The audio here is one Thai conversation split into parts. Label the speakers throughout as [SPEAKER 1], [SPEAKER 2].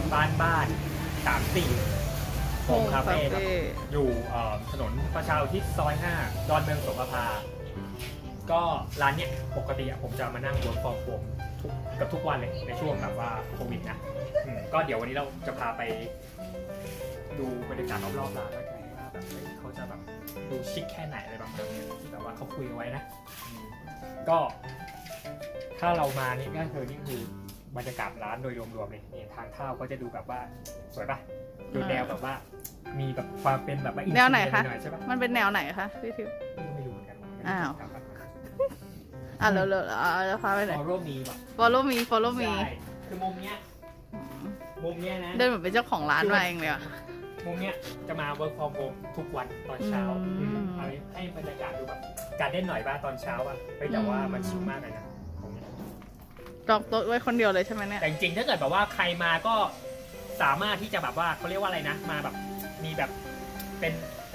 [SPEAKER 1] บ้าน34โฮมคาเฟ่ครับอยู่ถนนประชาอุทิศซอย5ดอนเมืองโสภาก็ร้านเนี้ยปกติผมจะมานั่งเวิร์กฟอร์มโฮมกับทุกวันเลยในช่วงแบบว่าโควิดนะก็เดี๋ยววันนี้เราจะพาไปดูบรรยากาศรอบๆร้านแล้วกันว่าแบบเขาจะแบบดูชิคแค่ไหนอะไรประมาณนี้ที่แบบว่าเขาคุยไว้นะก็ถ้าเรามานี่ก็คือนี่คือบรรยากาศร้านโดยรวมๆเลยนี่ทางเข้าก็จะดูแบบว่าสวยปะดูแนวแบบว่ามีแบบความเป็นแบบว่า
[SPEAKER 2] แนวไหนคะ
[SPEAKER 1] ใช่ปะ
[SPEAKER 2] มันเป็นแนวไหนคะพี่ทิพย์
[SPEAKER 1] ไม่รู้เหมือนกัน
[SPEAKER 2] อ้าว เราจะพาไปไหน
[SPEAKER 1] follow me แบบ
[SPEAKER 2] follow me follow me
[SPEAKER 1] ใช่คือมุมเนี้ยนะ
[SPEAKER 2] เดินเหมือนเป็นเจ้าของร้านมาเองเลยอ่ะ
[SPEAKER 1] มุมเนี้ยจะมา work from home ทุกวันตอนเช้าเอาให้บรรยากาศดูแบบการเด่นหน่อยบ้างตอนเช้าอ่ะแต่ว่ามันชิลมากเลยนะตรงนี้
[SPEAKER 2] จองโต๊ะไว้คนเดียวเลยใช่ไหมเนี่ย
[SPEAKER 1] แต่จริงๆถ้าเกิดแบบว่าใครมาก็สามารถที่จะแบบว่าเขาเรียกว่าอะไรนะมาแบบมีแบบเป็น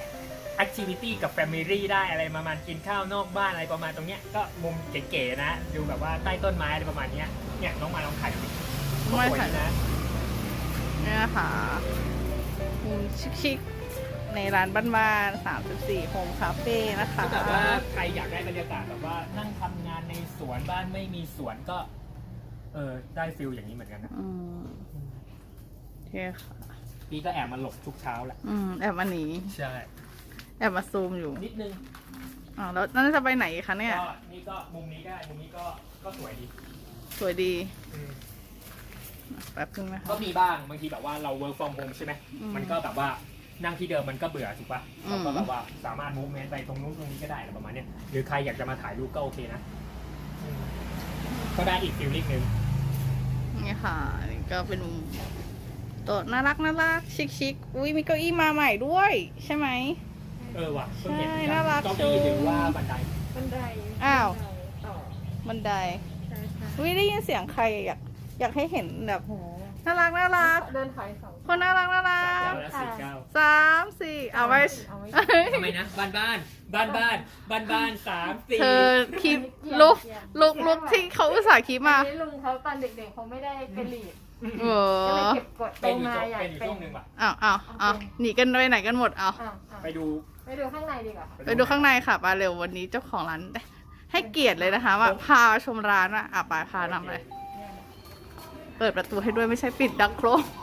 [SPEAKER 1] activity กับ family ได้อะไรประมาณกินข้าวนอกบ้านอะไรประมาณตรงเนี้ยก็มุมเก๋ๆนะดูแบบว่าใต้ต้นไม้อะไรประมาณเนี้ยเนี่ยน้องมาลองถ่ายดูดิ
[SPEAKER 2] ไม่
[SPEAKER 1] สวย
[SPEAKER 2] ถ่าย
[SPEAKER 1] นะ
[SPEAKER 2] เนี่ยนะคะมุมชิคๆในร้านบ้านๆ34โฮมคาเฟ่นะคะ
[SPEAKER 1] ก็แบบว่าใครอยากได้บรรยากาศแบบว่านั่งทำงานในสวนบ้านไม่มีสวนก็ได้ฟิลอย่างนี้เหมือนกันนะ
[SPEAKER 2] โอเคค่ะ
[SPEAKER 1] พี่ก็แอบมาหลบทุกเช้าแหละ
[SPEAKER 2] แอบมาหนี
[SPEAKER 1] ใช่
[SPEAKER 2] แอบมาซูมอยู่
[SPEAKER 1] นิดนึง
[SPEAKER 2] แล้วนั่นจะไปไหนคะเนี่ย
[SPEAKER 1] ก็นี่ก็มุมนี้ได้มุมนี้ก็สวยดี
[SPEAKER 2] สวยดีแป๊บนึงนะคะ
[SPEAKER 1] ก็มีบ้างบางทีแบบว่าเรา work from home ใช่ไหมมันก็แบบว่านั่งที่เดิมมันก็เบื่อถูกป่ะเราก็แบบว่าสามารถ movement ไปตรงนู้นตรงนี้ก็ได้อะไรประมาณเนี้ยหรือใครอยากจะมาถ่ายรูปก็โอเคนะก็ได้อีกฟีลลิ่งนึง
[SPEAKER 2] นี่ค่ะนี่ก็เป็นมุมโต๊ะน่ารักชิคๆอุ้ยมีเก้าอี้มาใหม่ด้วยใช่ไหม
[SPEAKER 1] ว่ะเพิ่งเห็น
[SPEAKER 2] ใช่น่ารัก
[SPEAKER 1] เก้าอี้หรือว่าบันได
[SPEAKER 2] อ้าว
[SPEAKER 3] ต่อ
[SPEAKER 2] บันได
[SPEAKER 3] ใช่
[SPEAKER 2] อุ้ยได้ยินเสียงใครอยากให้เห็นแบบ
[SPEAKER 3] โห
[SPEAKER 2] น่ารัก
[SPEAKER 3] เดินถอยสอง
[SPEAKER 2] คนน่ารัก
[SPEAKER 1] 3 9และ4
[SPEAKER 2] 3 4เอาไว้
[SPEAKER 1] 9ทำไมนะบ้าน3 4
[SPEAKER 2] เธอคลิปลุกที่เขาอุตส่าห์คลิปมา
[SPEAKER 3] อันนี้ลุงเขาตอนเด็กๆเขาไม่ได้เป็นลีด
[SPEAKER 2] เอ
[SPEAKER 3] ก็เลย
[SPEAKER 2] อ
[SPEAKER 3] เก็บกดโต
[SPEAKER 1] เป็นอยู่
[SPEAKER 3] มาอยาก
[SPEAKER 1] ช่วงหนึ่งป่ะ
[SPEAKER 2] เอาหนีกันไปไหนกันหมดเอา
[SPEAKER 1] ไปดู
[SPEAKER 3] ไปดูข้างในดีกว่า
[SPEAKER 2] ไปดูข้างในค่ะปาเร็ววันนี้เจ้าของร้านให้เกียรติเลยนะคะว่าพาชมร้านปาพานำเลยเปิดประตูให้ด้วยไม่ใช่ปิดดังโครม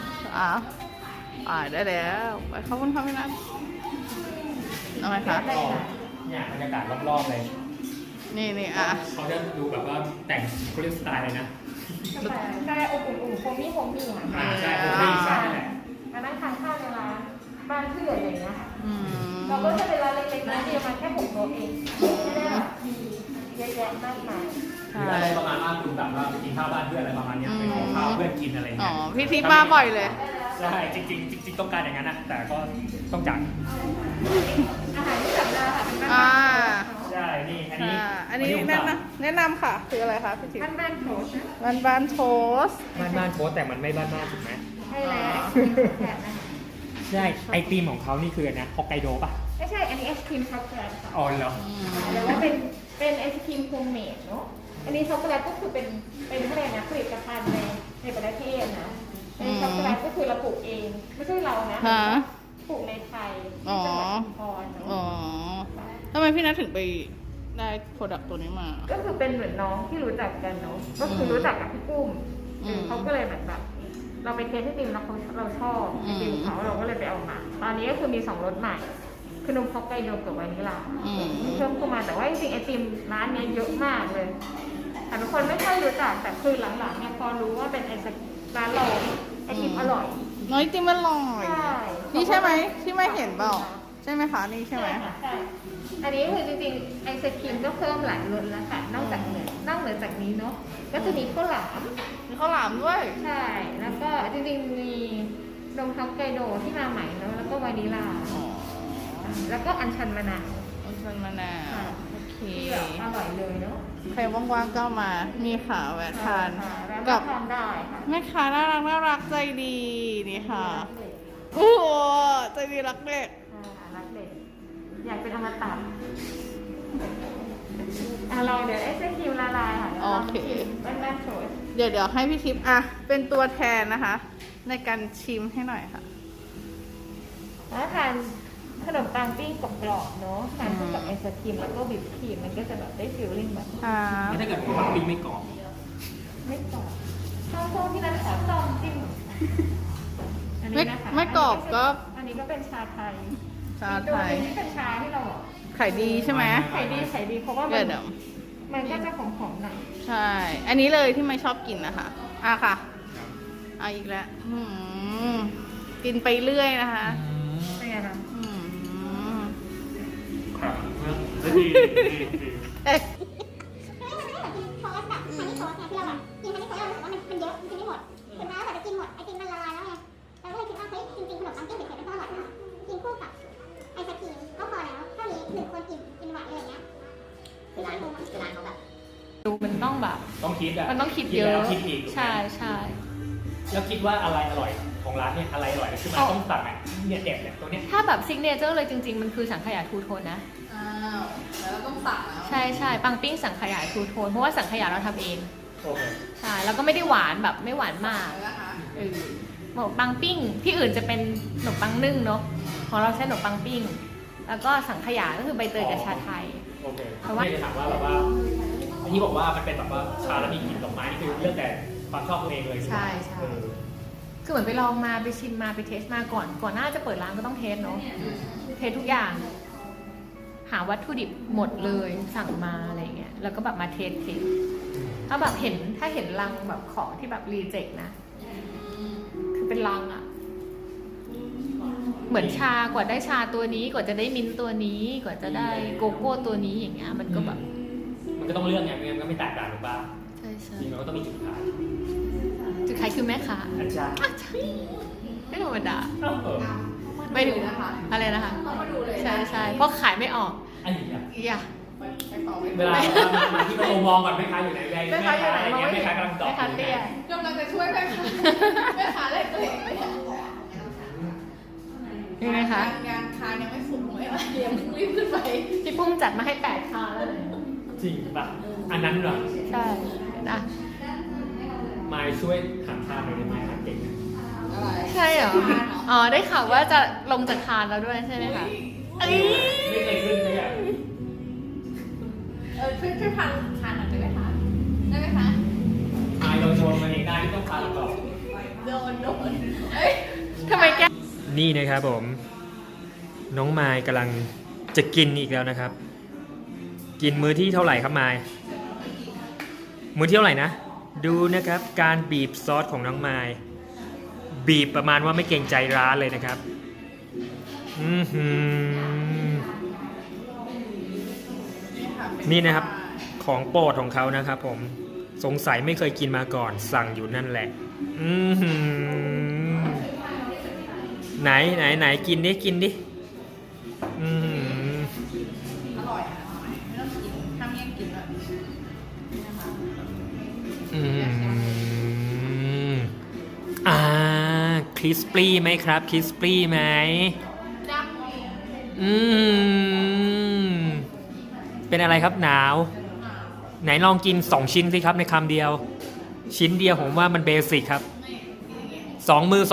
[SPEAKER 2] ได้แล้วไปขอบคุณค่ะพี่นัทเอาไหมคะ
[SPEAKER 1] เนี่ยบรรยากาศรอบๆเลย
[SPEAKER 2] นี่
[SPEAKER 1] เขาจะดูแบบว่าแต่งเขาเรียกสไตล์เลยนะ
[SPEAKER 3] ใช่อบอุ่นๆโฮมี่อ่ะ
[SPEAKER 1] ใช่ผมไม่ใช่แหละ
[SPEAKER 3] มานั่งทานข้าวในร้านบ้านเพื่อนอะไรอย่างเงี้ยค่ะเราก็จะเป็นร้านเล็กๆนะเดียวมันแค่6 โต๊ะเองไม่ได้แบบมีเยอะแยะมากมาย
[SPEAKER 1] หรืออะไรประมาณว่าคุณแบบว่าไปกินข้าวบ้านเพื่อนอะไรประมาณเนี้ยไปขอข้าวเพื่อนกินอะไร
[SPEAKER 2] อ๋
[SPEAKER 1] เงี้
[SPEAKER 2] อย พี่ทิพย์มาบ่อยเลย
[SPEAKER 1] ใช่จริงต้องการอย่างนั้นนะแต่ก็ต้องจ่าย
[SPEAKER 3] อาหารที่สั่งได้ค่ะเป็น
[SPEAKER 1] ใช่นี่อันนี้
[SPEAKER 2] แนะนำค่ะคืออะไรคะพี่ทิพย์
[SPEAKER 3] บ้านๆโถชนะ
[SPEAKER 2] บ้านโทสต์
[SPEAKER 1] บ้านโพสแต่มันไม่บ้านถูกไหม
[SPEAKER 3] ใช่แล้วแถบนะคะ
[SPEAKER 1] ใช่ไอติมของเขานี่คืออันนี้ฮอกไกโดป่ะ
[SPEAKER 3] ไม่ใช่อันนี้ไอศครีมช็อกโกแลตค่ะ
[SPEAKER 1] อ๋อเหรอ
[SPEAKER 3] หรือว่าเป็นไอศครีมโฮมเมดเนาะอันนี้ช็อกโกแลตก็คือเป็นอะไรนะผลิตภัณฑ์ในประเทศนะในช็อกโกแลตก็คือเราปลูกเองไม่ใช่เรานะปลูกในไทยที่จังหวัดชุมพร
[SPEAKER 2] ทำไมพี่นัทถึงไปได้โปรดักต์ตัวนี้มา
[SPEAKER 3] ก็คือเป็นเหมือนน้องที่รู้จักกันเนาะก็คือรู้จักกับพี่ปุ้มเขาก็เลยแบบเราไปเทสให้ติมแล้วเราชอบไอติมเขาเราก็เลยไปเอามาตอนนี้ก็คือมี2 รสใหม่คือนมฮอกไกโดกับวานิลลาเพิ่มเข้ามาแต่ว่าจริงๆไอติมร้านนี้เยอะมากเลยแต่บางคนไม่ค่อยรู้จักแต่คือหลังๆเนี่ยพอรู้ว่าเป็นร้านเราไอติมอร่อย
[SPEAKER 2] น้อยติมอร่อย
[SPEAKER 3] ใช่
[SPEAKER 2] นี่ใช่ไหมที่ไม่เห็นเปล่าใช่ไหมคะนี่ใช่ไหม
[SPEAKER 3] ใช่อันนี้คือจริงๆไอศครีมก็เพิ่มหลายรสแล้วค่ะนอกเหนือจากนี้เนาะก็จะมีข้าวหลาม
[SPEAKER 2] มีข้าวหลามด้วย
[SPEAKER 3] ใช่ แล้วก็จริงๆมีนมฮอกไกโดที่มาใหม่เนาะแล้วก็วานิลลา แล้วก็อัญชันมะนาว
[SPEAKER 2] อัญชันมะนาวโอเค
[SPEAKER 3] ที่แบบอร่อยเลยเนาะ
[SPEAKER 2] ใครว่างๆก็มานี่ค่ะแวะทาน
[SPEAKER 3] แล้ว
[SPEAKER 2] กั
[SPEAKER 3] ก็
[SPEAKER 2] บ
[SPEAKER 3] ทานได้ค่ะ
[SPEAKER 2] แม่ค้าน่ารักใจดีนี่ค่ะโอ้โหใจดีรักเด็ก
[SPEAKER 3] รักเด็กอยากเป็นอมตะเราเดี๋ยวไอศครีมละลายค่ะ
[SPEAKER 2] โอเค
[SPEAKER 3] บ้านๆโฉด
[SPEAKER 2] เดี๋ยวให้พี่ทิพย์เป็นตัวแทนนะคะในการชิมให้หน่อยค่ะ
[SPEAKER 3] แล้วทานขนมปังปิ้งกรอบๆเนาะทานคู่กับไอศครีมแล้วก็วิปครีมมันก็จะแบบได้ฟีลลิ่งแบบ
[SPEAKER 1] ถ้าเกิดผมปังปิ้งไม่กรอบ
[SPEAKER 3] ไม่กรอบข้าวโพดที่นั้นขอต้มจิ้มอันนี้นะคะ
[SPEAKER 2] ไม่กรอบก็
[SPEAKER 3] อันนี้ก็เป็นชาไทย
[SPEAKER 2] ชาไทย
[SPEAKER 3] อีกตัวหนึ่งที่เป็นชาที่เราบอก
[SPEAKER 2] ไข่ดีใช่ไหม
[SPEAKER 3] ขายดีเพราะว่า
[SPEAKER 2] เดี๋ยว
[SPEAKER 3] มันก็จะหอมๆหน่อย
[SPEAKER 2] ใช่ อันนี้เลยที่ไม่ชอบกินนะคะค่ะอีกแล้วกินไปเรื่อยนะคะ
[SPEAKER 3] เป็นไงคะ
[SPEAKER 1] ครับดี
[SPEAKER 2] เอ๊ะ
[SPEAKER 4] โทสแบบฮันนี่โทสเนี่ยที่เราแบบกินฮันนี่โทสเรารู้สึกว่ามันเยอะมันกินไม่หมดถึงแม้ว่าเราจะกินหมดไอติมมันละลายแล้วไงเราก็เลยคิดว่าเฮ้ยจริงๆขนมปังปิ้งเผ็ดๆมันก็อร่อยนะกินคู่กับไอศกรีมก็พอแล้วเท่านี้1 คนกินไหวเลยอย่างเงี้ยคือร้านเขาแบบ
[SPEAKER 3] ดูมันต้องแบบ
[SPEAKER 1] ต้องคิดอะ
[SPEAKER 3] มันต้องคิดเยอะ
[SPEAKER 1] แล้วคิดอีก
[SPEAKER 3] ใช่
[SPEAKER 1] แล้วคิดว่าอะไรอร่อยของร้านเนี่ยอะไรอร่อยคือมันต้องสั่งอ่ะเนี่ยเด็ดเนี่ยตัวเนี้ย
[SPEAKER 3] ถ้าแบบซิกเนเจอร์เลยจริงๆ มันคือสังขยาทูโทนนะ
[SPEAKER 2] อ้าวแล้วเราต้องสั่งแล้ว
[SPEAKER 3] ใช่ปังปิ้งสังขยาทูโทนเพราะว่าสังขยาเราทำเอง
[SPEAKER 1] โอเค
[SPEAKER 3] ใช่แล้วก็ไม่ได้หวานแบบไม่หวานมาก
[SPEAKER 2] นะคะ
[SPEAKER 3] ขนมปังปิ้งที่อื่นจะเป็นขนมปังนึ่งเนาะของเราใช้ขนมปังปิ้ง แล้วก็สังขยาก็คือใบเตยกับชาไทย
[SPEAKER 1] โอเค
[SPEAKER 3] เพราะว่า
[SPEAKER 1] ไม่ได้ถามว่าแบบว่าอันนี้บอกว่ามันเป็นแบบว่าชาแล้วมีกลิ่นดอกไม้นี่คือเลือกแต่ความชอบตัวเองเลย
[SPEAKER 3] ใช่
[SPEAKER 1] เออ
[SPEAKER 3] คือเหมือนไปลองมาไปชิมมาไปเทสมาก่อนหน้าจะเปิดร้านก็ต้องเทสเนาะเทสทุกอย่าง หาวัตถุดิบหมดเลยสั่งมาอะไรเงี้ยแล้วก็แบบมาเทสถ้าแบบเห็นลังแบบของที่แบบรีเจ็คนะคือเป็นลังอะเหมือนชากว่าได้ชาตัวนี้กว่าจะได้มิ้นท์ตัวนี้กว่าจะได้โกโก้ตัวนี้อย่างเงี้ยมันก็แบบ
[SPEAKER 1] มันก็ต้องเลือกไงไม่งั้นมันก็ไม่แตกต่างหรือเปล่า
[SPEAKER 3] ใช่
[SPEAKER 1] จริงมันก็ต้องมีจุดขาย
[SPEAKER 3] จุดขายคือแม่ค้า
[SPEAKER 1] อาจารย์
[SPEAKER 3] ไม่ธรรมดา
[SPEAKER 1] เออ
[SPEAKER 3] ไม่ดูนะคะอะไรนะคะใช่เพราะขายไม่ออก
[SPEAKER 1] อันนี้อะ
[SPEAKER 3] อย่า
[SPEAKER 1] เวลามาที่ประตูมองก่อนแม่ค้าอยู่ไหนแม่ค้าอะไรเงี้ยแม่ค้ากำลังตอบ
[SPEAKER 3] แม่ค้าเตี้ย
[SPEAKER 2] กำลังจะช่วยแม่ค้าแม่ค้าเลยตัวเองไม่ได้
[SPEAKER 3] ยังไงคะ
[SPEAKER 2] งานคานยังไม่สุกเลยเรียมรีบขึ้นไป
[SPEAKER 3] พี่ปุ้มจัดมาให้8 คาแล้วเลย
[SPEAKER 1] จริงป่ะอันนั้นเหรอ
[SPEAKER 3] ใช่นะ
[SPEAKER 1] มายช่วยหันทางหน่อยได้ไหมหันเก่งนะ
[SPEAKER 2] อะไร
[SPEAKER 3] ใช่เหรออ๋อได้ข่าวว่าจะลงจากคานแล้วด้วยใช่ไหมคะเอ้ย
[SPEAKER 1] ไม่เคยขึ้นเลยอ่ะ
[SPEAKER 2] ช่วยพันคานหน่อยได้ไหมคะได้ไหมคะ
[SPEAKER 1] มายเราชนมาเองได้ที่ต้องพาเราต่อ
[SPEAKER 2] โดนเอ้ย
[SPEAKER 3] ทำไมแก
[SPEAKER 1] นี่นะครับผม น้องมายกำลังจะกินอีกแล้วนะครับ กินมื้อที่เท่าไหร่ครับมายมื้อที่เท่าไหร่นะ ดูนะครับการบีบซอสของน้องมายบีบประมาณว่าไม่เกรงใจร้านเลยนะครับนี่นะครับของโปรดของเขานะครับผมสงสัยไม่เคยกินมาก่อนสั่งอยู่นั่นแหละไหนกินดิกินดิ
[SPEAKER 2] อร่อยอ่ะไม่ต้องกินห้ามแย่งกินเลย
[SPEAKER 1] คริสปี้ไหมครับคริสปี้ไหมเป็นอะไรครับหนาวไหนลองกิน2 ชิ้นสิครับในคำเดียวชิ้นเดียวผมว่ามันเบสิกครับ2 มือ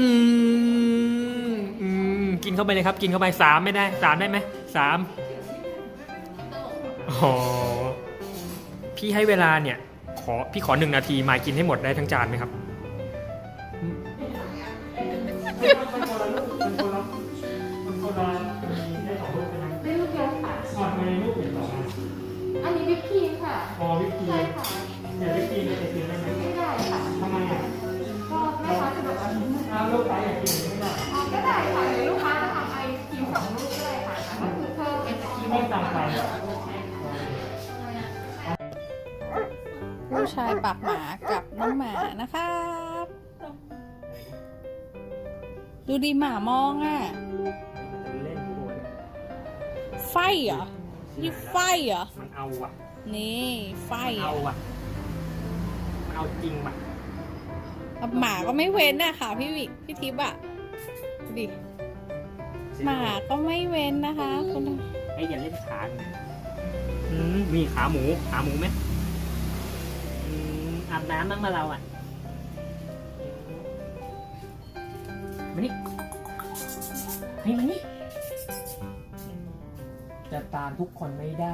[SPEAKER 1] กินเข้าไปเลยครับกินเข้าไป3ไม่ได้3ได้ไหม3อ๋อพี่ให้เวลาเนี่ยพี่ขอ1 นาทีมากินให้หมดได้ทั้งจานไหมครับ
[SPEAKER 3] ได้ลูกเดียวค่ะ
[SPEAKER 1] ในรูปเห็นสองอัน
[SPEAKER 3] อันนี้วิปครีมค่ะ
[SPEAKER 1] พอวิปครีม
[SPEAKER 3] ใช่ค่ะ
[SPEAKER 1] เดี๋ยววิปครีมจะกินได้ไหม
[SPEAKER 3] ไม่ได้ค่ะ
[SPEAKER 1] ทำไมอ่ะ
[SPEAKER 3] ก็แม่ค้าจะแบบว่า
[SPEAKER 1] ลูกค้าอยากกินไม่ได้
[SPEAKER 3] ก็ได้ค่ะหรือลูกค้าจะทำไอศครีม2 ลูกก็ได้ค่ะแต่ก็คือเพิ่มไอศครีม
[SPEAKER 1] ไม่ต่างกัน
[SPEAKER 2] ผู้ชายปากหมากับน้องหมานะครับ ดูดีหมามองอ่ะ
[SPEAKER 1] เล่นตัว
[SPEAKER 2] ไฟเหรอนี่ไฟเหรอ
[SPEAKER 1] มันเอาว่ะ
[SPEAKER 2] นี่ไฟ
[SPEAKER 1] มันเอาว่ะมันเอาจริงว่ะ
[SPEAKER 2] หมาก็ไม่เว้นอะค่ะพี่วิพี่ทิพย์อะดูดิหมาก็ไม่เว้นนะคะคุณ
[SPEAKER 1] ไอ้อย่าเล่นขามีขาหมูไหมอาบน้ำบ้างมาเราอ่ะมานี่ให้มานี่จะตามทุกคนไม่ได้